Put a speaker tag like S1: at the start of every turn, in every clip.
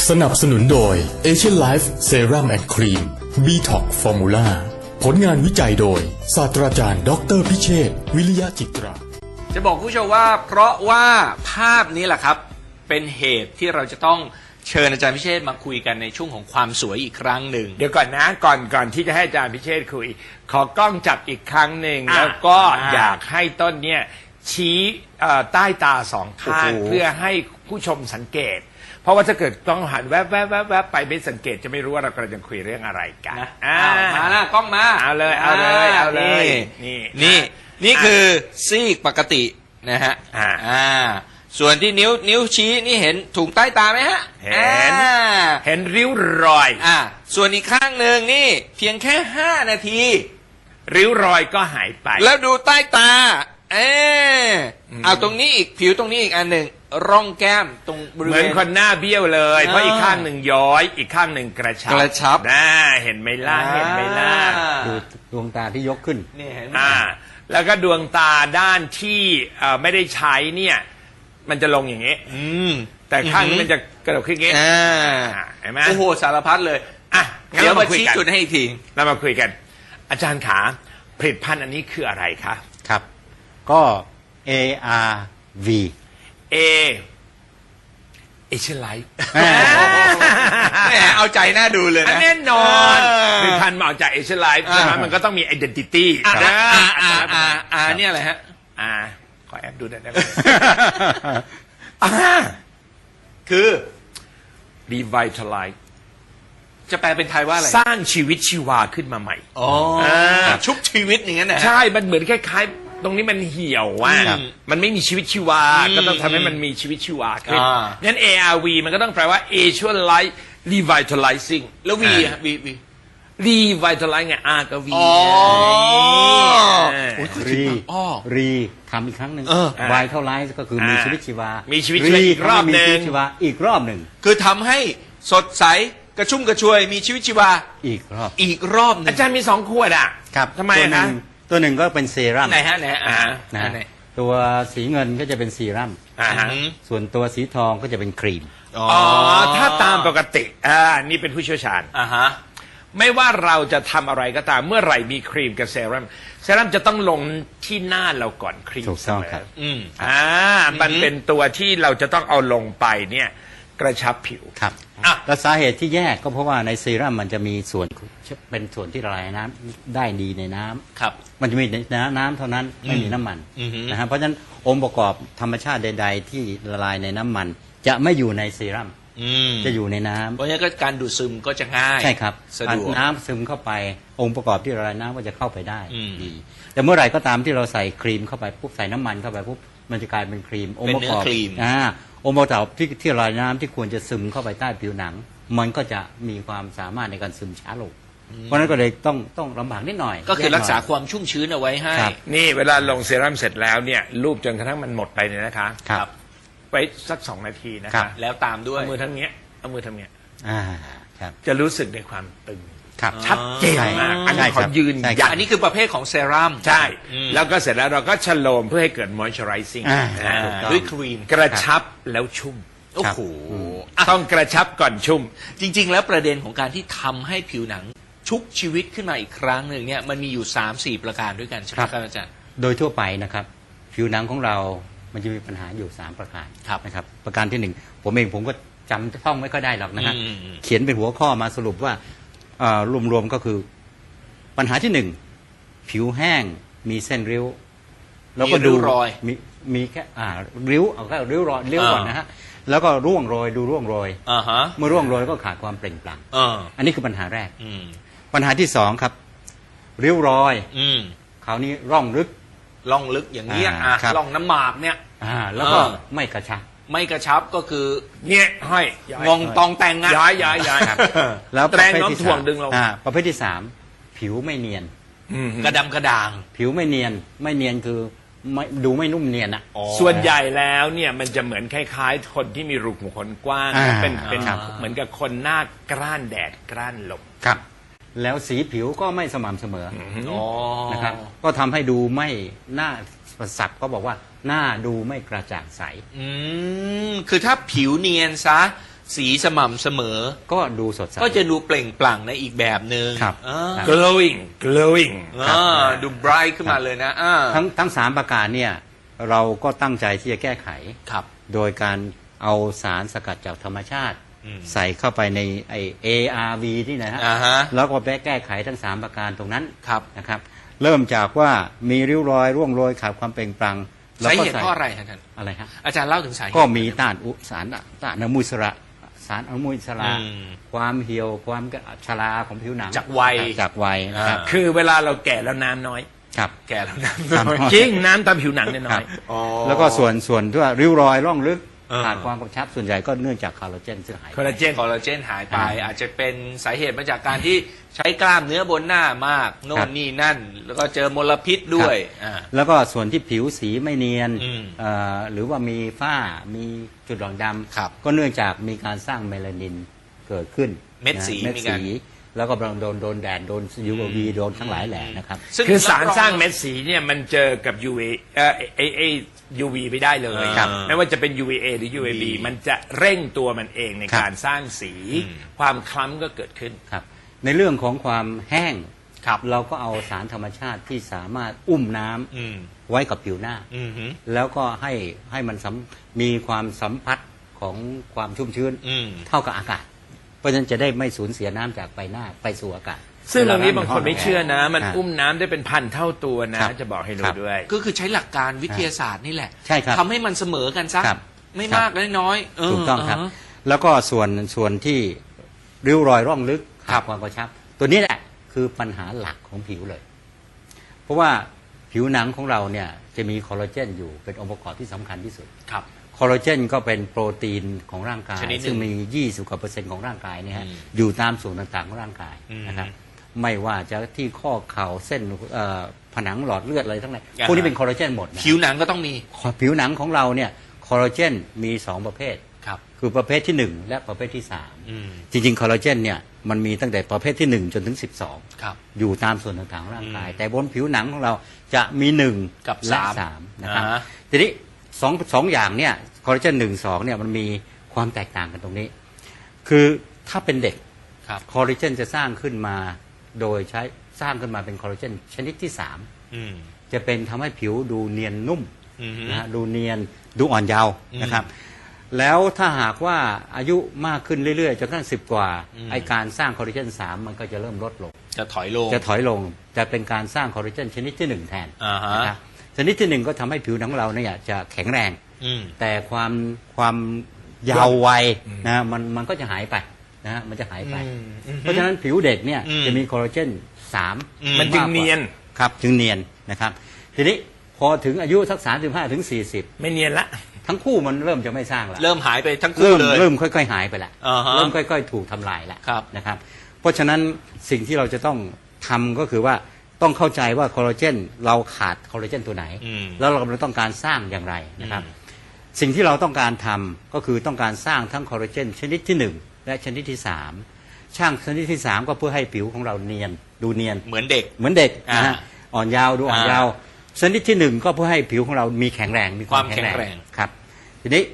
S1: สนับสนุนโดย Asian Life Serum and Cream Detox Formula ผลงานวิจัยโดยศาสตราจารย์ดร.พิเชษฐ์วิริยะจิตรา
S2: จะบอกผู้ชมว่าเพราะว่าภาพนี้แหละครับเป็นเหตุที่เราจะต้องเชิญอาจารย์พิเชษฐ์มาคุยกันในช่วงของความสวยอีกครั้งหนึ่ง
S3: เดี๋ยวก่อนนะก่อนที่จะให้อาจารย์พิเชษฐ์คุยขอกล้องจับอีกครั้งหนึ่งแล้วก็อยากให้ต้นเนี่ยชี้ใต้ตาสองข้างเพื่อให้ผู้ชมสังเกตเพราะว่าถ้าเกิดต้องหันแวบไปไม่สังเกตจะไม่รู้ว่าเรากำลังจะคุยเรื่องอะไรกัน
S2: มาหน้ากล้องมา
S3: เอาเลย
S2: นี่คือซีกปกตินะฮะส่วนที่นิ้วชี้นี่เห็นถุงใต้ตาไหมฮะ
S3: เห็นริ้วรอย
S2: ส่วนอีกข้างหนึ่งนี่เพียงแค่5 นาที
S3: ริ้วรอยก็หายไป
S2: แล้วดูใต้ตาเอาตรงนี้อีกผิวตรงนี้อีกอันหนึ่งร่องแก้มตรงบริเวณ
S3: เหมือนคนหน้าเบี้ยวเลยเพราะอีกข้างหนึ่งย้อยอีกข้างหนึ่งกระชับเห็นไหมล่ะ
S4: ดูดวงตาที่ยกขึ้น
S2: นี่เห็น
S3: แล้วก็ดวงตาด้านที่ไม่ได้ใช้เนี่ยมันจะลงอย่างนี้แต่ข้างนี้มันจะกระดกขึ้นอย่างนี้เห็นไหม
S2: โอ้โหสารพัดเลยเดี๋ยวมาชี้จุดให้อีกที
S3: เรามาคุยกันอาจารย์ขาผลิตภัณฑ์อันนี้คืออะไรคะ
S4: ครับก็ ARV
S3: Asian Life
S2: แหมเอาใจน่าดูเลยนะ
S3: แน่นอนผลิตภัณฑ์มาเอาจาก Asian Life ใช่ไหมมันก็ต้องมี identity
S2: นี่อะไรฮะ
S3: ขอแอบดูหน่อยได้ไหม
S2: คือ
S3: Revitalize
S2: จะแปลเป็นไทยว่าอะไร
S3: สร้างชีวิตชีวาขึ้นมาใหม่
S2: ชุบชีวิตอย่างนั้นนะ
S3: ใช่มันเหมือนคล้ายๆตรงนี้มันเหี่ยวว่ามันไม่มีชีวิตชีวาก็ต้องทำให้มันมีชีวิตชีวาขึ้นงั้น ARV มันก็ต้องแปลว่า Asian Life Revitalizing
S2: แล้ว V
S3: Revitalize ไง R กับ V
S4: รีทำอีกครั้งหนึ่งVitalize ก็คือมีชีวิตชีวา
S3: มีชีวิตชีวาอีกรอบหนึ่ง
S4: อีกรอบหนึ่ง
S2: คือทำให้สดใสกระชุ่มกระชวยมีชีวิตชีวา
S4: อีก
S2: รอบนึง
S3: อาจารย์มี2 ขวด
S4: ครับ
S3: ทำไมนะ
S4: ตัวหนึ่งก็เป็นเซรั่ม
S2: ไหนฮะ
S4: ตัวสีเงินก็จะเป็นเซรั่มส่วนตัวสีทองก็จะเป็นครีม
S3: ถ้าตามปกตินี่เป็นผู้เชี่ยวชาญไม่ว่าเราจะทำอะไรก็ตามเมื่อไหร่มีครีมกับเซรั่มจะต้องลงที่หน้าเราก่อนครีม
S4: ถูกต้องครับ
S3: มันเป็นตัวที่เราจะต้องเอาลงไปเนี่ยกระชับผิว
S4: ครับและสาเหตุที่แยกก็เพราะว่าในเซรั่มมันจะมีส่วนเป็นส่วนที่ละลายน้ำได้ดีในน้ำ
S2: ครับ
S4: มันจะมีน้ำเท่านั้นไม่มีน้ำมันนะฮะเพราะฉะนั้นองค์ประกอบธรรมชาติใดๆที่ละลายในน้ำมันจะไม่อยู่ในเซรั่มจะอยู่ในน้ำ
S2: เพราะฉะนั้นก็การดูดซึมก็จะง่าย
S4: ใช่ครับน้ำซึมเข้าไปองค์ประกอบที่ละลายน้ำก็จะเข้าไปได้ดีแต่เมื่อไหร่ก็ตามที่เราใส่ครีมเข้าไปปุ๊บใส่น้ำมันเข้าไปปุ๊บมันจะกลายเป็นครีม
S2: องค์ประกอบ
S4: องค์ประกอบที่ละลายน้ำที่ควรจะซึมเข้าไปใต้ผิวหนังมันก็จะมีความสามารถในการซึมช้าลงเพราะนั้นก็เลยต้องลำบากนิดหน่อย
S2: ก็คือรักษาความชุ่มชื้นเอาไว้ให้
S3: นี่เวลาลงเซรั่มเสร็จแล้วเนี่ยรูปจนกระทั่งมันหมดไปเนี่ยนะคะ
S4: ครับ
S3: ไว้สัก2 นาทีนะคะ
S2: แล้วตามด้วย
S3: เอามือทำเงี้ย
S4: ครับ
S3: จะรู้สึกในความตึง
S4: ชัด
S3: เจนมากอันนี้ขอยืนยัน
S2: อันนี้คือประเภทของเซรั่ม
S3: ใช่แล้วก็เสร็จแล้วเราก็ชโลมเพื่อให้เกิด moisturizing
S2: ด้วยครีม
S3: กระชับแล้วชุ่ม
S2: โอ้โห
S3: ต้องกระชับก่อนชุ่ม
S2: จริงๆแล้วประเด็นของการที่ทำให้ผิวหนังชุบชีวิตขึ้นมาอีกครั้งหนึ่งเนี่ยมันมีอยู่ 3-4 ประการด้วยกันใช่ไหมครับอาจารย์
S4: โดยทั่วไปนะครับผิวหนังของเรามันจะมีปัญหาอยู่3 ประการนะครับประการที่1ผมก็จำท่องไม่ค่อยได้หรอกนะฮะเขียนเป็นหัวข้อมาสรุปว่ารวมๆก็คือปัญหาที่1ผิวแห้งมีเส้นริ้ว
S2: แล้วก็ดูรอย
S4: มีแค่ริ้วเอาแค่ริ้วรอยริ้วก่อนนะฮะแล้วก็ร่วงโรยดูร่วงโรยเมื่อร่วงโรยก็ขาดความเปล่งปลั่งอันนี้คือปัญหาแรกปัญหาที่2ครับริ้วรอยคราวนี้ร่องลึก
S2: อย่างนี้ร่องน้ำหมากเนี่ย
S4: แล้วก็ไม่กระชับ
S2: ก็คือ
S3: เนี่ยห้อย
S2: งงตองแต่ง
S3: ย้าย
S4: แล้ว
S3: แรงน้ำถ่วงดึงเรา
S4: ประเภทที่3ผิวไม่เนียน
S2: กระดำกระด่าง
S4: ผิวไม่เนียนคือดูไม่นุ่มเนียน
S3: ส่วนใหญ่แล้วเนี่ยมันจะเหมือนคล้ายๆคนที่มีรูขุมขนกว้างเป็นเหมือนกับคนหน้ากร้านแดดกร้านลม
S4: ครับแล้วสีผิวก็ไม่สม่ำเสมอนะครับก็ทำให้ดูไม่หน้าศัพท์ก็บอกว่าหน้าดูไม่กระจ่างใส
S2: คือถ้าผิวเนียนซะสีสม่ำเสมอ
S4: ก็ดูสดใส
S2: ก็จะดูเปล่งปลั่งในอีกแบบหนึ่ง
S4: ครับ
S2: อ่า
S3: glowing
S2: ดูไบรท์ขึ้นมาเลยนะ
S4: ทั้งสามประการเนี่ยเราก็ตั้งใจที่จะแก้ไข
S2: ครับ
S4: โดยการเอาสารสกัดจากธรรมชาติ ใส่เข้าไปในไอ ARV ที่นะฮะ
S2: อ่าฮะ
S4: แล้วก็ไปแก้ไขทั้ง3ประการตรงนั้น
S2: ครับ
S4: นะครับเริ่มจากว่ามีริ้วรอยร่วงโรยขาดความเปล่งปลั่งแล้ว
S2: สา
S4: ก็
S2: เหตุเพราะอะไรครับท่าน
S4: อะไรฮะ
S2: อาจารย์เล่าถึงสาเหตุ
S4: ก็มีต้านสารต้านอนุมูลอิสระสารอนุมูลอิสระ
S2: อืม
S4: ความเหี่ยวความชราของผิวหนัง
S2: จากวัย
S4: จากวัยนะครับ
S3: คือเวลาเราแก่แล้วน้ำน้อย
S4: ครับ
S2: แก่แล้วนะ
S4: ครับ
S3: จริงน้ำตามผิวหนังเนี่ยน้อย
S4: แล้วก็ส่วนที่ว่าริ้วรอยร่องลึก
S2: เออ
S4: ขาดความกระชับส่วนใหญ่ก็เนื่องจากคอลลาเจนซึ่งหายไป
S3: คอลลาเจน
S2: คอลลาเจนหายไป
S4: อ่า
S2: อาจจะเป็นสาเหตุมาจากการที่ใช้กล้ามเนื้อบนหน้ามากโน่
S4: ครั
S2: น
S4: บ
S2: นี่นั่น แล้วก็เจอมลพิษด้วยอ่า
S4: แล้วก็ส่วนที่ผิวสีไม่เนียน
S2: อืม
S4: หรือว่ามีฝ้ามีจุดด่างด
S2: ครับ
S4: ำก็เนื่องจากมีการสร้างเมลานินเกิดขึ้น
S2: เม็ดสี
S4: นะเม็ด
S2: มีการ
S4: สีแล้วก็โดนแดดโดน UV โดนทั้งหลายแหล่นะครับ
S2: ซึ่ง
S3: คือสาร
S2: บ
S3: สร้างเม็ดสีเนี่ยมันเจอกับ UV ไม่ได้เลย
S2: ครับ
S3: ไม่ว่าจะเป็น UVA หรือ UVB มันจะเร่งตัวมันเองใน
S4: ครับ
S3: การสร้างสี ความคล้ำก็เกิดขึ้น
S4: ครับในเรื่องของความแห้ง
S2: ครับ
S4: เราก็เอาสารธรรมชาติที่สามารถอุ้มน้ำ
S2: อืม
S4: ไว้กับผิวหน้า
S2: อืมฮึ
S4: แล้วก็ให้มันมีความสัมผัสของความชุ่มชื้น
S2: อืม
S4: เท่ากับอากาศ เพราะฉะนั้นจะได้ไม่สูญเสียน้ำจากใบหน้าไปสู่อากาศ
S3: ซึ่งเรื่องนี้
S4: วล
S3: บางคนไม่เชื่อนะ มัน
S4: า
S3: อุ้มน้ำได้เป็นพันเท่าตัวนะ
S4: ครับ
S3: จะบอกให้
S4: ครั
S3: รู้
S4: บ
S3: ด้วย
S2: ก็คือใช้หลักการวิทยาศาสตร์นี่แหละ
S4: ใช่ครับ
S2: ทำให้มันเสมอกันซะ
S4: ครับ
S2: ไม่
S4: ครับ
S2: มากและน้อยเ
S4: ถูกต้องครับ แล้วก็ส่วนที่ริ้วรอยร่องลึก
S2: ครั
S4: ขา
S2: บ
S4: ดความกระชับ ตัวนี้แหละคือปัญหาหลักของผิวเลย เพราะว่าผิวหนังของเราเนี่ยจะมีคอลลาเจนอยู่เป็นองค์ประกอบที่สำคัญที่สุด
S2: ครับ
S4: คอลลาเจนก็เป็นโปรตีนของร่างกาย
S2: ชนิดหนึ่ง
S4: ซึ่งมี 20 กว่า%ของร่างกายเนี่ยฮะ
S2: อืม
S4: อยู่ตามส่วนต่างๆของร่างกาย
S2: อืม
S4: นะครับไม่ว่าจะที่ข้อเข่าเส้นผนังหลอดเลือดอะไรทั้งหลาย
S2: อ่าฮะ
S4: พวกนี้เป็นคอลลาเจนหมดนะ
S2: ผิวหนังก็ต้องมี
S4: ผิวหนังของเราเนี่ยคอลลาเจนมี 2 ประเภท
S2: ครับ
S4: คือประเภทที่ 1 และประเภทที่
S2: อืม
S4: 3 จริงๆคอลลาเจนเนี่ยมันมีตั้งแต่ประเภทที่ 1 จนถึง 12
S2: ครับ
S4: อยู่ตามส่วนต่างๆของร่างกาย
S2: อืม
S4: แต่บนผิวหนังของเราจะมี 1
S2: กับ
S4: และ
S2: สาม
S4: 3นะครับ
S2: อ่าฮะ
S4: ทีนี้สองอย่างเนี่ยคอลลาเจน1-2เนี่ยมันมีความแตกต่างกันตรงนี้ คือถ้าเป็นเด็ก
S2: ครับ
S4: คอลลาเจนจะสร้างขึ้นมาโดยใช้สร้างขึ้นมาเป็นคอลลาเจนชนิดที่
S2: อืม
S4: 3 จะเป็นทำให้ผิวดูเนียนนุ่ม
S2: อืมฮึ
S4: นะฮะดูเนียนดูอ่อนเยาว์
S2: อืม
S4: นะครับ แล้วถ้าหากว่าอายุมากขึ้นเรื่อยๆจนกระทั่ง10 กว่า
S2: อืม
S4: ไอการสร้างคอลลาเจน3มันก็จะเริ่มลดลง
S2: จะถอยลง
S4: จะถอยลงจะเป็นการสร้างคอลลาเจนชนิดที่ 1 แทน
S2: อ่าฮะ
S4: นะครับชนิดที่ 1 ก็ทำให้ผิวหนังของเราเนี่ยจะแข็งแรง
S2: อืม
S4: แต่ความยาววัยนะมันก็จะหายไปนะฮะมันจะหายไป เพราะฉะนั้นผิวเด็กเนี่ย
S2: อืม
S4: จะมีคอลลาเจน3
S2: อืม
S3: มันจึงเนียน
S4: ครับจึงเนียนนะครับ ทีนี้พอถึงอายุสัก35ถึง40
S3: ไม่เนียนละ
S4: ทั้งคู่มันเริ่มจะไม่สร้างแล้ว
S2: เริ่มหายไปทั้งคู่เลย
S4: เริ่มค่อยๆหายไปแล้ว
S2: อ่าฮะ
S4: เริ่มค่อยๆถูกทำลายแล้ว
S2: ครับ
S4: นะครับ เพราะฉะนั้นสิ่งที่เราจะต้องทำก็คือว่าต้องเข้าใจว่าคอลลาเจนเราขาดคอลลาเจนตัวไหน
S2: อืม
S4: แล้วเรากำลังต้องการสร้างอย่างไรนะครับ
S2: อืม
S4: สิ่งที่เราต้องการทำก็คือต้องการสร้างทั้งคอลลาเจนชนิดที่ 1 และชนิดที่ 3 ช่างชนิดที่ 3 ก็เพื่อให้ผิวของเราเนียนดูเนียน
S2: เหมือนเด็ก
S4: เหมือนเด็กนะฮะ
S2: อ่า
S4: อ่อนยาวดูอ่อนยาวชนิดที่ 1 ก็เพื่อให้ผิวของเรามีแข็งแรงมีความ
S2: ความแข็งแรง
S4: ครับทีนี้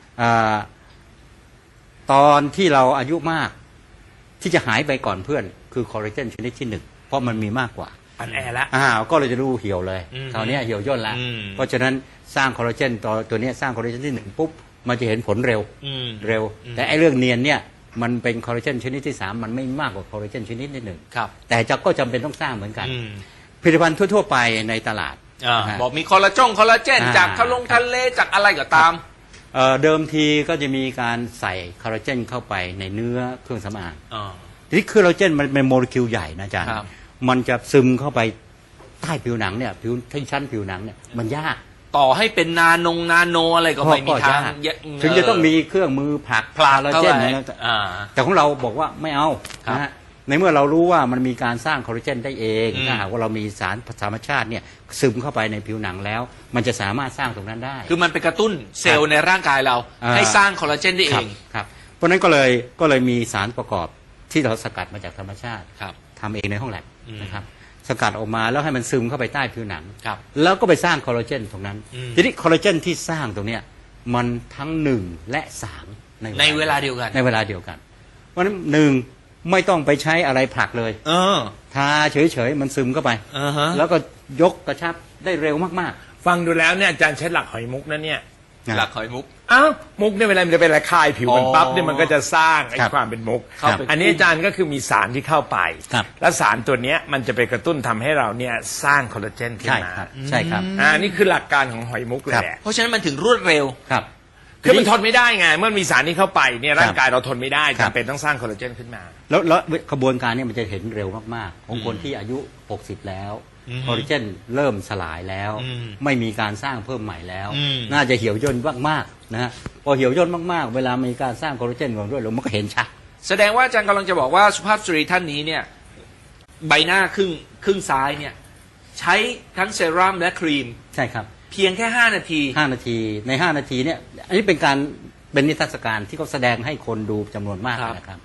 S4: ตอนที่เราอายุมากที่จะหายไปก่อนเพื่อนคือคอลลาเจนชนิดที่ 1 เพราะมันมีมากกว่า
S3: อันแอร์ละ
S4: ก็เลยจะดูเหี่ยวเลย
S2: อืม
S4: คราวนี้เหี่ยวย่นแล้ว
S2: อืม
S4: เพราะฉะนั้นสร้างคอลลาเจนตัวนี้สร้างคอลลาเจนที่ 1 ปุ๊บมันจะเห็นผลเร็ว
S2: อืม
S4: เร็ว
S2: อืม
S4: แต่ไอ้เรื่องเนียนเนี่ยมันเป็นคอลลาเจนชนิดที่ 3 มันไม่มากกว่าคอลลาเจนชนิดที่
S2: ครับ
S4: 1แต่ก็จำเป็นต้องสร้างเหมือนกัน
S2: อืม
S4: ผลิตภัณฑ์ทั่วๆไปในตลาด
S2: อ่า
S4: นะฮะ
S2: บอกมีคอลลาเจน
S4: อ่า
S2: จากทะเลจากอะไรก็ตาม
S4: เดิมทีก็จะมีการใส่คอลลาเจนเข้าไปในเนื้อเครื่องสำอาง
S2: อ่า
S4: ทีนี้คอลลาเจนมันเป็นโมเลกุลใหญ่นะอาจารย์
S2: ครับ
S4: มันจะซึมเข้าไปใต้ผิวหนังเนี่ยผิวที่ชั้นผิวหนังเนี่ยมันยาก
S2: ต่อให้เป็นนาโนอะไรก็ไม่มีทาง
S4: ยกถึงจะต้องมีเครื่องมือผลัก
S2: พลา
S4: คอลลา
S2: เข้า
S4: เจน
S2: ไป
S4: นะ
S2: อ่า
S4: แต่ของเราบอกว่าไม่เอา
S2: ครับ
S4: นะฮะในเมื่อเรารู้ว่ามันมีการสร้างคอลลาเจนได้เอง
S2: อืม
S4: ถ้าหากว่าเรามีสารธรรมชาติเนี่ยซึมเข้าไปในผิวหนังแล้ว มันจะสามารถสร้างตรงนั้นได้
S2: คือมันไปกระตุ้นเซลล์ในร่างกายเรา
S4: อ่า
S2: ให้สร้างคอลลาเจนได้เอ
S4: ครับ
S2: ง
S4: ครับเพราะฉะนั้นก็เลยมีสารประกอบที่เราสกัดมาจากธรรมชาติ
S2: ครับ
S4: ทำเองในห้องแลบ
S2: อืม
S4: นะครับสกัดออกมาแล้วให้มันซึมเข้าไปใต้ผิวหนัง
S2: ครับ
S4: แล้วก็ไปสร้างคอลลาเจนตรงนั้น
S2: อืม
S4: ทีนี้คอลลาเจนที่สร้างตรงเนี้ยมันทั้ง1และ3
S2: ในเวลาเดียวกัน
S4: ในเวลาเดียวกัน เพราะฉะนั้นหนึ่งไม่ต้องไปใช้อะไรผลักเลย ทาเฉยๆมันซึมเข้าไป แล้วก็ยกกระชับได้เร็วมาก
S3: ฟังดูแล้วเนี่ยอาจารย์ใช้หลักหอยมุกนะเนี่ย
S4: ๆ
S2: หลักหอยมุก
S3: อ้าวมุกเนี่ยเวลามันจะเป็นระคายผิวมันปั๊บเนี่ยมันก็จะสร้างไอ้
S4: ครับ
S3: ความเป็นมุก
S2: เข้าไป
S3: อันนี้อาจารย์ก็คือมีสารที่เข้าไป
S4: ครับ
S3: แล้วสารตัวเนี้ยมันจะไปกระตุ้นทำให้เราเนี่ยสร้างคอลลาเจนขึ้น
S4: ใช่
S3: มา
S4: ครับใช่ครับ
S3: นี่คือหลักการของหอยมุกเลยแหละ
S2: เพราะฉะนั้นมันถึงรวดเร็ว
S4: ครับ
S3: คือมันทนไม่ได้ไงเมื่อมีสารนี้เข้าไปเนี่ยร่างกายเราทนไม่ได้
S4: ครับ
S3: จำเป็นต้องสร้างคอลลาเจนขึ้นมา
S4: แล้วกระบวนการเนี้มันจะเห็นเร็วมากๆ ของคนที่อายุ 60 แล้วคอลลาเจนเริ่มสลายแล้ว ไม่มีการสร้างเพิ่มใหม่แล้ว น่าจะเหี่ยวย่นมากๆนะฮะพอเหี่ยวย่นมากๆ เวลามีการสร้างคอลลาเจนของด้วยมันก็เห็นชัด
S2: แสดงว่าอาจารย์กำลังจะบอกว่าสุภาพสตรีท่านนี้เนี่ยใบหน้าครึ่งซ้ายเนี่ยใช้ทั้งเซรั่มและครีม
S4: ใช่ครับ
S2: เพียงแค่ 5 นาที
S4: 5 นาทีใน 5 นาทีเนี่ยอันนี้เป็นนิทรรศการที่เขาแสดงให้คนดูจำนวนมาก
S2: ครับ
S4: นะครับ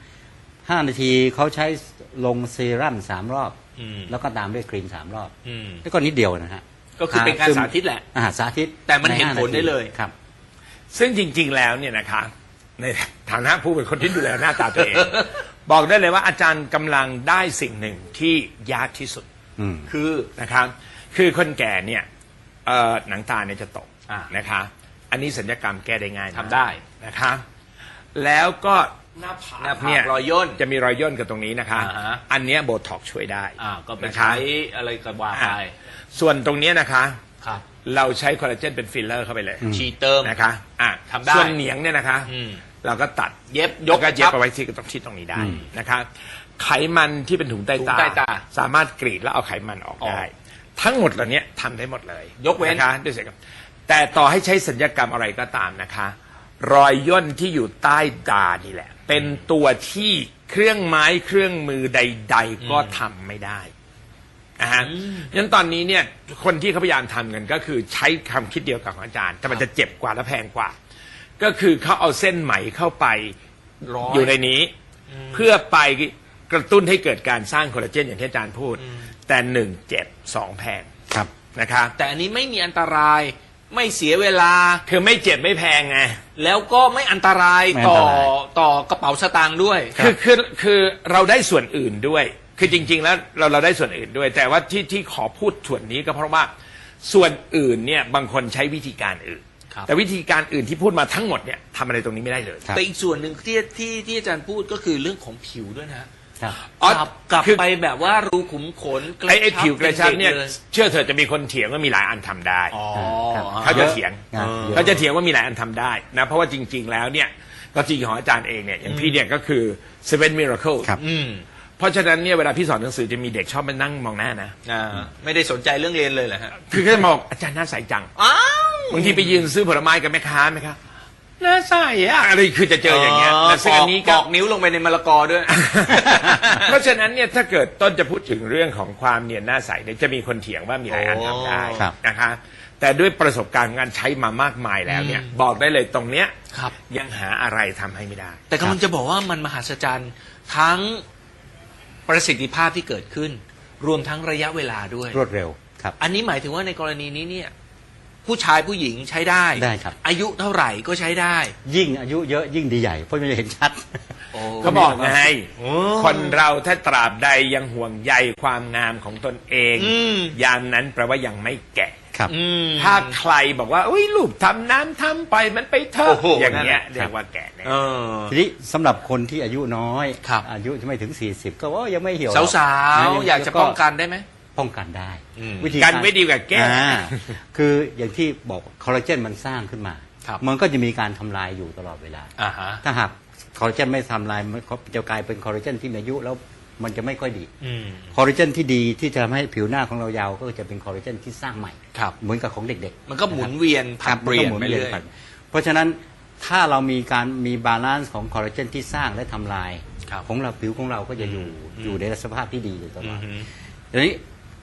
S4: 5 นาทีเขาใช้ลงเซรั่ม3 รอบ แล้วก็ตามด้วยครีม3 รอบ แล้วก็นิดเดียวนะฮะ
S2: ก็คือเป็นการสาธิตแหละ
S4: สาธิต
S2: แต่มันเห็น
S4: ใ
S2: ผลได้เลย
S4: ครับ
S3: ซึ่งจริงๆแล้วเนี่ยนะคะในฐานะผู้เป็นคนที่ดูแลหน้าตาตัวเอง บอกได้เลยว่าอาจารย์กำลังได้สิ่งหนึ่งที่ยากที่สุด
S4: อืม
S3: คือนะครับคือคนแก่เนี่ยหนังตาเนี่ยจะตก
S2: อ่า
S3: นะคะอันนี้สัญญกรรมแก้ได้ง่ายมาก
S2: ทำได้
S3: นะคะแล้วก็หน้าผาก
S2: หน้าผาก
S3: เนี่ย
S2: รอยย่น
S3: จะมีรอยย่นกับตรงนี้นะคะ
S2: อ่าฮะ
S3: อันเนี้ยโบท็อกซ์ช่วยได้
S2: ก็ไป
S3: นะคะ
S2: ใช้อะไรก็ว่าไป
S3: ส่วนตรงเนี้ยนะคะ
S2: ครับ
S3: เราใช้คอลลาเจนเป็นฟิลเลอร์เข้าไปเลย
S2: ชีเติม
S3: นะคะ
S2: ทำได้
S3: ส่วนเหนียงเนี่ยนะคะ เราก็ตัด
S2: เย็บย
S3: ย
S2: ก
S3: กก็เย็บ
S2: ชับ
S3: เอาไว้ที่ตรงนี้ได้
S4: อืม
S3: นะคะไขมันที่เป็นถุงใต้
S2: ถุงใต้ตา
S3: สามารถกรีดแล้วเอาไขมันออกได้ ทั้งหมดเหล่านี้ทำได้หมดเลย
S2: ยกเว้น
S3: นะคะด้วยเสียงแต่ต่อให้ใช้สัญญกรรมอะไรก็ตามนะคะ รอยย่นที่อยู่ใต้ตานี่แหละ เป็นตัวที่เครื่องไม้เครื่องมือใด ๆ ก็ทำไม่ได้งั้นตอนนี้เนี่ยคนที่เขาพยายามทำกันก็คือใช้คำคิดเดียวกับของอาจารย์ แต่มันจะเจ็บกว่าและแพงกว่า ก็คือเขาเอาเส้นไหมเข้าไป
S2: ร้อย
S3: อยู่ในนี้ เพื่อไปกระตุ้นให้เกิดการสร้างคอลลาเจนอย่างที่อาจารย์พูด แต่1 เจ็บ2แพง
S4: ครับ
S3: นะคะ
S2: แต่อันนี้ไม่มีอันตรายไม่เสียเวลา
S3: คือไม่เจ็บไม่แพงไง
S2: แล้วก็ไม่อันตราย
S4: ไม่อันตราย
S2: ต่อกระเป๋าสตางค์ด้วย
S3: คือเราได้ส่วนอื่นด้วย คือจริง ๆ แล้วเราได้ส่วนอื่นด้วย แต่ว่าที่ขอพูดส่วนนี้ก็เพราะว่าส่วนอื่นเนี่ยบางคนใช้วิธีการอื่น
S2: ครับ
S3: แต่วิธีการอื่นที่พูดมาทั้งหมดเนี่ยทำอะไรตรงนี้ไม่ได้เลย
S4: ครับ
S2: แต่อีกส่วนหนึ่งที่อาจารย์พูดก็คือเรื่องของผิวด้วยนะ
S4: ครับ
S3: อ๋อก
S2: ลับ
S3: คือ
S2: ไปแบบว่ารูขุมขนกระ
S3: ไอ้ผิวกระชับเนี่ย
S2: ป็ด็กล
S3: เชื่อเถอะจะมีคนเถียงว่ามีหลายอันทำได้
S2: อ๋อ
S4: ครับ
S3: เขาจะเถียง
S4: เยอะ
S3: เขาจะเถียงว่ามีหลายอันทำได้นะเพราะว่าจริง ๆ แล้วเนี่ยก็จริงของอาจารย์เองเนี่ยอย่างพี่เนี่ยก็คือ Seven Miracle
S4: ครับ
S3: เพราะฉะนั้นเนี่ยเวลาพี่สอนหนังสือจะมีเด็กชอบมานั่งมองหน้านะ
S2: ไม่ได้สนใจเรื่องเรียนเลยเหรอฮะ
S3: คือเขาจะมองอาจารย์หน้าใสจัง
S2: อ้าว
S3: บางทีไปยืนซื้อผลไม้กับแม่ค้าไหมครับหน้าใสอะอะไรคือจะเจออย่างเงี้ยแต่ซึ่งอันนี้
S2: ป
S3: ก็
S2: อกนิ้วลงไปในมะละกอด้วย
S3: เพราะฉะนั้นเนี่ยถ้าเกิดต้นจะพูดถึงเรื่องของความเนียนหน้าใสเนี่ยจะมีคนเถียงว่ามีหลายอันทำได้
S4: ครับ
S3: นะคะแต่ด้วยประสบการณ์ของการใช้มามากมายแล้วเนี่ยบอกได้เลยตรงเนี้ย
S2: ครับ
S3: ยังหาอะไรทำให้ไม่ได้
S2: แต่กำลังจะบอกว่ามันมหัศจรรย์ทั้งประสิทธิภาพที่เกิดขึ้น รวมทั้งระยะเวลาด้วย
S4: รวดเร็วครับ
S2: อันนี้หมายถึงว่าในกรณีนี้เนี่ยผู้ชายผู้หญิงใช้ได้
S4: ได้ครับ
S2: อายุเท่าไหร่ก็ใช้ได้
S4: ยิ่งอายุเยอะยิ่งดีใหญ่เพราะมันจะเห็นชัด
S3: เขาบอกไงคนเราถ้าตราบใดยังห่วงใยความงามของตนเอง ยามนั้นแปลว่ายังไม่แก่
S4: ครับ
S3: ถ้าใครบอกว่าอุ้ยลูกทำน้ำทำไปมันไปเถ
S2: โอ้
S3: อะ
S2: โห
S3: อย่างเงี้ย
S2: นั่นแหละ
S3: เรียกว่าแก่แน่
S4: ทีนี้สำหรับคนที่อายุน้อย
S2: ครับ
S4: อายุจะไม่ถึง 40 ก็ว่ายังไม่เหี่ยว
S2: สาวๆอยากจะป้องกันได้ไหม
S4: ป้องกันได้
S2: อืม
S4: วิธี
S3: กันไว้ดีกว่าแก้
S4: คืออย่างที่บอกคอลลาเจนมันสร้างขึ้นมา
S2: ครับ
S4: มันก็จะมีการทำลายอยู่ตลอดเวลา
S2: อ่าฮะ
S4: ถ้าหากคอลลาเจนไม่ทำลายมันจะกลายเป็นคอลลาเจนที่มีอายุแล้วมันจะไม่ค่อยดี คอลลาเจนที่ดีที่จะทำให้ผิวหน้าของเรายาวก็จะเป็นคอลลาเจนที่สร้างใหม่
S2: ครับ
S4: เหมือนกับของเด็กๆ
S2: มันก็หมุนเวียนผลัดเปลี่ยน
S4: มัน
S2: ไป
S4: ก็หมุ
S2: เรื่อย
S4: นเพราะฉะนั้นถ้าเรามีบาลานซ์ของคอลลาเจนที่สร้างและทำลาย
S2: ครับ
S4: ของเราผิวของเราก็จะอยู่ในสภาพที่ดีอยู่ตลอด
S2: อือฮึ
S4: ทีนี้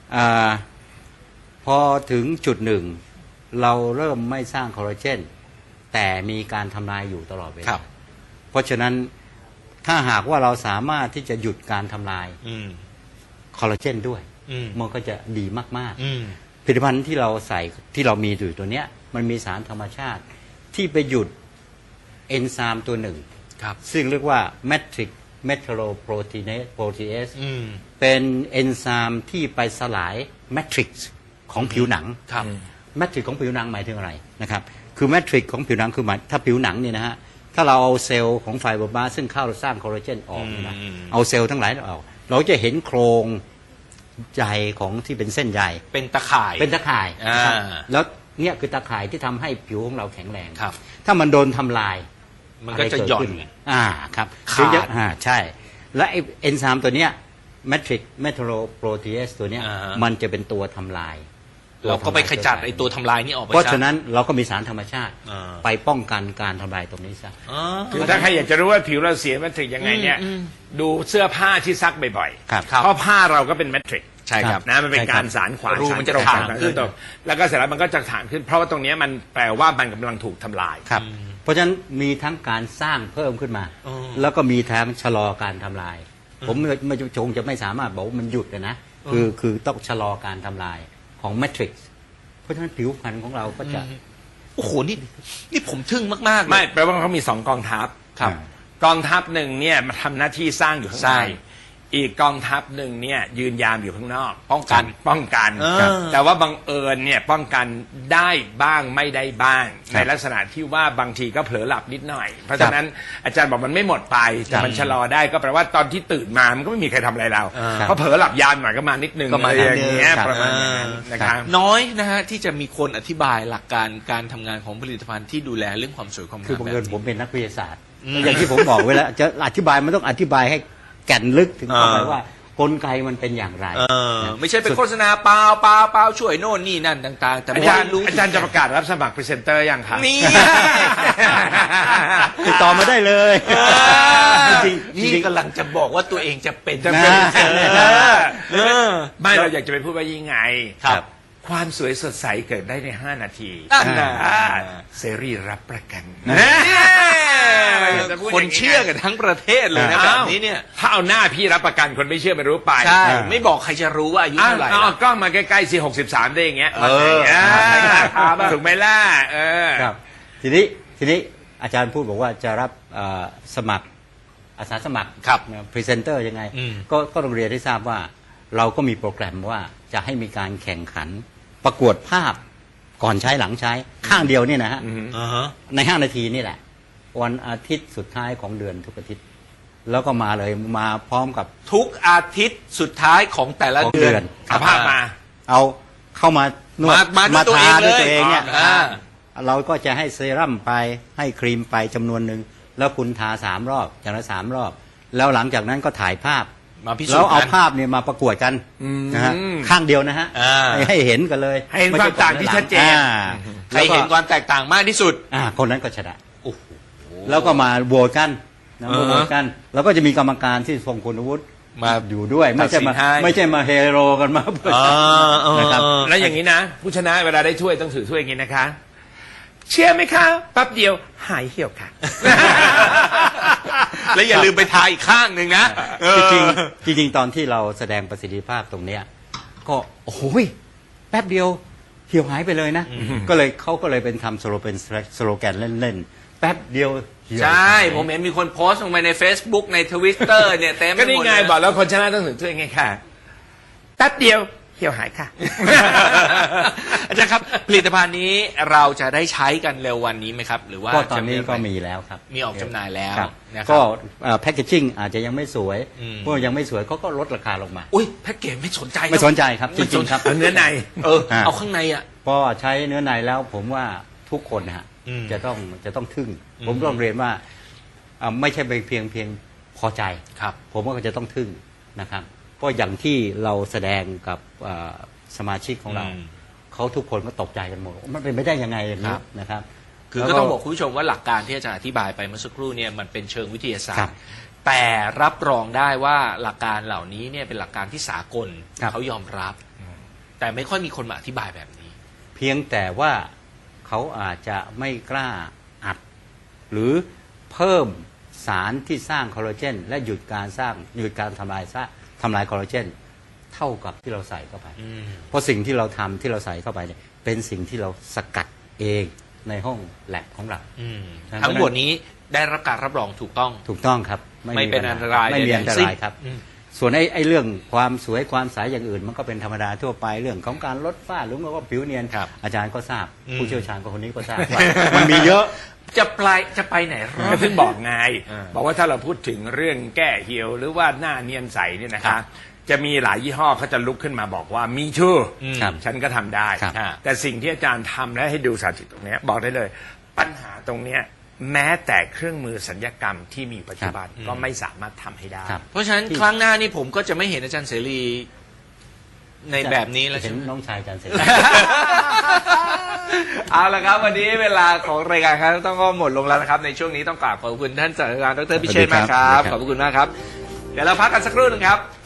S4: พอถึงจุดหนึ่ง เราเริ่มไม่สร้างคอลลาเจนแต่มีการทำลายอยู่ตลอดเว
S2: ครั
S4: ลา
S2: บ
S4: เพราะฉะนั้นถ้าหากว่าเราสามารถที่จะหยุดการทำลายคอลลาเจนด้วย มันก็จะดีมากๆ ผลิตภัณฑ์ที่เราใส่ที่เรามีอยู่ตัวเนี้ยมันมีสารธรรมชาติที่ไปหยุดเอนไซม์ตัวหนึ่ง
S2: ครับ
S4: ซึ่งเรียกว่า matrix metalloproteinase
S2: ม
S4: เป็นเอนไซม์ที่ไปสลายแมทริกซ์ของผิวหนัง
S2: ครับ
S4: แมทริกซ์ของผิวหนังหมายถึงอะไรนะครับคือแมทริกซ์ของผิวหนังคือหมายถ้าผิวหนังเนี่ยนะฮะถ้าเราเอาเซลล์ของไฟเบอร์บลาสต์ซึ่งเข้าสร้างคอลลาเจนออกเนี่ยนะเอาเซลล์ทั้งหลายออกเราจะเห็นโครงใยของที่เป็นเส้นใย
S2: เป็นตะข่าย
S4: เป็นตะข่ายนะครับ
S2: อ่า
S4: แล้วเนี่ยคือตะข่ายที่ทำให้ผิวของเราแข็งแรง
S2: ครับ
S4: ถ้ามันโดนทำลาย
S2: มันก็จะหย่อน
S4: ไรเดขึ้ครับ
S2: ขาด
S4: เยอะใช่ และไอเอนไซม์ตัวเนี้ยแมทริกเมทัลโลโปรตีเอสตัวเนี้ย
S2: อ่าฮะ
S4: มันจะเป็นตัวทำลาย
S2: เราก็ไปขจัดไอ้ตัวทำลายนี่ออกไป
S4: เพราะ
S2: ซ
S4: ฉะนั้นเราก็มีสารธรรมชาติ
S2: อ่า
S4: ไปป้องกันการทำลายตรงนี้ซะ
S2: อ๋อ
S3: คือถ้าใครอยากจะรู้ว่าผิวเราเสียแมทริกยังไงเนี่ยดูเสื้อผ้าที่ซักบ่อย
S4: ครับ
S3: เพราะผ้าเราก็เป็นแมทริก
S2: ใช่ครับ
S3: นะมันเป็น
S4: ใช่ครับ
S3: การสารขวาน
S2: รูมันจะ
S3: สรตรง
S2: ถ่างขึ้น
S3: ตรงแล้วก็เสร็จแล้วมันก็จะถ่างขึ้น เพราะว่าตรงเนี้ยมันแปลว่ามันกำลังถูกทำลาย
S4: ครับ เพราะฉะนั้นมีทั้งการสร้างเพิ่มขึ้นมา
S2: อ๋อ
S4: แล้วก็มีทั้งชะลอการทำลาย ผมไม่คงจะไม่สามารถบอกว่ามันหยุดเลยนะคือต้องชะลอการทำลายของแมทริกซ์เพราะฉะนั้นผิวพรรณของเราก็จะ
S2: โอ้โหนี่ผมทึ่งมากๆเลย
S3: ไม่แปลว่าเขามีสองกองทัพ
S2: ครับ
S3: กองทัพหนึ่งเนี่ยมาทำหน้าที่สร้างอยู่ข้าง
S2: ใช่
S3: ในอีกกองทัพหนึ่งเนี่ยยืนยามอยู่ข้างนอก
S2: ป้องกัน
S3: ป้องกัน
S2: ครับ
S3: แต่ว่าบังเอิญเนี่ยป้องกันได้บ้างไม่ได้บ้าง ในลักษณะที่ว่าบางทีก็เผลอหลับนิดหน่อย เพราะฉะนั้นอาจารย์บอกมันไม่หมดไปแต่มันชะลอได้ก็แปลว่าตอนที่ตื่นมามันก็ไม่มีใครทำอะไรเรา
S4: ครับ
S3: เพราะเผลอหลับยามหน่อยก็มานิดนึง
S2: ก็มา
S3: อะไรอย่าง
S2: นิดนึง
S3: เงี้ย
S4: ครับ
S3: ประมาณอย่างนั้นนะครับ
S2: น้อยนะฮะที่จะมีคนอธิบายหลักการการทำงานของผลิตภัณฑ์ที่ดูแลเรื่องความสวยความงาม
S4: คือบังเอิญ
S2: แบบ
S4: ผม
S2: นี้
S4: เป็นนักวิทยาศาสตร์อย่างที่ผมบอกไว้แล้วจะอธิบายมันต้องอธิบายให้แก่นลึกถึงเข้าไปว่ากลไกมันเป็นอย่างไร
S2: ไม่ใช่เป็นโฆษณาเปล่าช่วยโน่นนี่นั่นต่างๆ แต่
S3: อา
S2: ไม่
S3: จารย์
S2: รู้
S3: อาจารย์จะประกาศรับสมัครพรีเซนเตอร์ยังคะ
S2: นี่
S4: ติดต่อมาได้เลย จริงๆ
S2: นี่
S4: จริงๆ
S2: กำลังจะบอกว่าตัวเองจะเป็น
S3: จะเป็น
S2: เออ
S3: ไม่เราอยากจะไปพูดว่ายังไง
S2: ครับ
S3: ความสวยสดใสเกิดได้ใน 5 นาที
S2: นั่นน่ะ
S3: เซรีรับประกัน
S2: คนเชื่อกันทั้งประเทศเลยนะแบบนี้เนี่ย
S3: ถ้าเอาหน้าพี่รับประกันคนไม่เชื่อไม่รู้ไป
S2: ใช่ ไม่บอกใครจะรู้ว่าอายุ
S3: อ้าว
S2: เท่าไหร่
S3: เอากล้องมาใกล้ๆสิ63ได้อย่างเงี้ย
S2: เออ
S3: ถูกไหมล่ะเออ
S4: ครับทีนี้อาจารย์พูดบอกว่าจะรับสมัครอาสาสมัคร
S2: ครับ
S4: พรีเซนเตอร์ยังไง
S2: อืม
S4: ก็โรงเรียนได้ทราบว่าเราก็มีโปรแกรมว่าจะให้มีการแข่งขันประกวดภาพก่อนใช้หลังใช้ข้างเดียวเนี่ยนะฮะ
S2: อ่าฮะ
S4: ใน5 นาทีนี่แหละ วันอาทิตย์สุดท้ายของเดือนทุกอาทิตย์ แล้วก็มาเลยมาพร้อมกับ
S2: ทุกอาทิตย์สุดท้ายของแต่ละ
S4: ของ
S2: เดือน
S3: เอาภาพมา
S4: เอาเข้ามานวด
S2: มาด้วยตัวเอง
S4: ทา
S2: เลย
S4: ด้วยตัวเองเนี่ย
S2: อ่า
S4: เราก็จะให้เซรั่มไปให้ครีมไปจำนวนหนึ่งแล้วคุณทา3 รอบอย่างละ3 รอบ แล้วหลังจากนั้นก็ถ่ายภาพ
S2: มาพิสูจน์
S4: แล้วเอา
S2: กัน
S4: ภาพเนี่ยมาประกวดกันนะฮะข้างเดียวนะฮะ
S2: อ่า
S4: ให้เห็นกันเลย
S3: ให้เห็นความต่างที่ชัดเจน
S2: ใครเห็นความแตกต่างมากที่สุด
S4: คนนั้นก็ชนะ
S2: โอ้โห
S4: แล้วก็มาโหวตกันนะ
S2: อ่าฮะ
S4: โหวตกัน แล้วก็จะมีกรรมการที่ทรงคุณวุฒิ
S2: มา
S4: อยู่ด้วย ไม่ใช่มา
S2: ตัดสินให้
S4: ไม่ใช่มาเฮโรกันมาเพื่อนะครับ
S3: แล้วอย่างนี้นะ ผู้ชนะเวลาได้ถ้วยต้องถือถ้วยอย่างนี้นะคะ เชื่อไหมคะแป๊บเดียวหายเหี่ยวค่ะ
S2: แล้วอย่าลืมไปทาอีกข้างหนึ่งนะ
S4: จริงๆตอนที่เราแสดงประสิทธิภาพตรงเนี้ยก็โอ้โหแป๊บเดียวเหี่ยวหายไปเลยนะก็เลยเขาก็เลยเป็นทำเป็นสโลแกนเล่นๆแป๊บเดียวเหี่ยว
S2: ใช่
S4: หาย
S2: ผมเห็นมีคนโพสต์ลงไปใน Facebook ใน Twitter เนี่ยเต็มไป
S3: ก็
S2: หม
S3: นี่
S2: ด
S3: ไง
S2: เลย
S3: บอกแล้วคนชนะต้องถือถ้วยไงค่ะแป๊บเดียวเหี่ยวหายค่ะ
S2: อาจารย์ครับผลิตภัณฑ์นี้เราจะได้ใช้กันเร็ววันนี้ไหมครับ หรือว่า
S4: ก็ตอนนี้
S2: จะ
S4: ก็มีแล้วครับ
S2: มีออกจำหน่ายแล้ว
S4: ครับ
S2: นะค
S4: ก็
S2: รับ
S4: แพคเกจิ้งอาจจะยังไม่สวย
S2: อืม
S4: เพราะยังไม่สวยเขาก็ลดราคาลงมา
S2: อุ้ยแพ็กเกจไม่สนใจ
S4: ไม่สนใจครับจ
S2: ไม่ส
S4: ริ
S2: น
S4: ง
S2: ใจ
S4: ๆครับ
S3: เอาเนื้อใน
S2: เอาข้างในอ่ะ
S4: พอใช้เนื้อในแล้วผมว่าทุกคนนะฮะ
S2: อืม
S4: จะต้องทึ่ง ผมต้องเรียนว่าไม่ใช่เพียงพอใจ
S2: ครับ
S4: ผมว่าก็จะต้องทึ่งนะครับเพราะอย่างที่เราแสดงกับสมาชิกของเรา
S2: อืม
S4: เขาทุกคนก็ตกใจกันหมดมันเป็นไม่ได้ยังไงอย่างนี้
S2: ครับ
S4: นะครับ
S2: คือ
S4: แล้ว
S2: ก็ต้องบอกคุณผู้ชมว่าหลักการที่อาจารย์อธิบายไปเมื่อสักครู่เนี่ยมันเป็นเชิงวิทยาศาส
S4: ครั
S2: ต
S4: บ
S2: ร์ แต่รับรองได้ว่าหลักการเหล่านี้เนี่ยเป็นหลักการที่สากล
S4: ครับ
S2: เขายอมรับ แต่ไม่ค่อยมีคนมาอธิบายแบบนี้
S4: เพียงแต่ว่าเขาอาจจะไม่กล้าอัด หรือเพิ่มสารที่สร้างคอลลาเจนและหยุดการทำลายคอลลาเจนเท่ากับที่เราใส่เข้าไป เพราะสิ่งที่เราทำที่เราใส่เข้าไปเนี่ยเป็นสิ่งที่เราสกัดเองในห้องแลบของเรา
S2: อืม
S4: ครับ
S2: ทั้งหมดนี้ได้รับการรับรองถูกต้อง
S4: ถูกต้องครับ
S2: ไม่เป็นอันตราย
S4: ไม่มี
S2: ใดๆ
S4: อันต
S2: สิ้น
S4: รายครับ
S2: อืม
S4: ส่วนไอ้เรื่องความสวยความใสอย่างอื่น มันก็เป็นธรรมดาทั่วไปเรื่องของการลดฝ้าหรือว่าผิวเนียน
S2: ครับ
S4: อาจารย์ก็ทราบ
S2: อืม
S4: ผู้เชี่ยวชาญก็คนนี้ก็ทราบว่ามันมีเยอะ
S2: จะไปไหนรอ
S3: ก็
S2: ด
S3: ถึงบอกไง
S2: อ่า
S3: บอกว่าถ้าเราพูดถึงเรื่องแก้เหี่ยวหรือว่าหน้าเนียนใสเนี่ยนะ
S2: ครั
S3: คะ
S2: บ
S3: จะมีหลายยี่ห้อเขาจะลุกขึ้นมาบอกว่ามีชื่อ
S4: ครับ
S3: ฉันก็ทำได้
S4: ครับ
S3: แต่สิ่งที่อาจารย์ทำและให้ดูสาธิตตรงเนี้ยบอกได้เลย ปัญหาตรงเนี้ยแม้แต่เครื่องมือสัญญกรรมที่มีปัจจุบันก็ไม่สามารถทำให้ได้
S4: ครับ
S2: เพราะฉะนั้นครั้งหน้านี่ผมก็จะไม่เห็นอาจารย์เสรีในแบบนี้แล้ว
S4: เห็
S2: ใช่
S4: น
S2: ไหม
S4: น้องชายอาจารย์เสร็จ
S2: เอาละครับ วันนี้เวลาของรายการครับต้องก็หมดลงแล้วนะครับ ในช่วงนี้ต้องกราบขอบคุณท่านศาสตราจารย์ดรพิเชษฐ์มากครับ
S4: สวัสดีครับ
S2: ขอบคุณมากครับ เดี๋ยวเราพักกันสักครู่หนึงครับ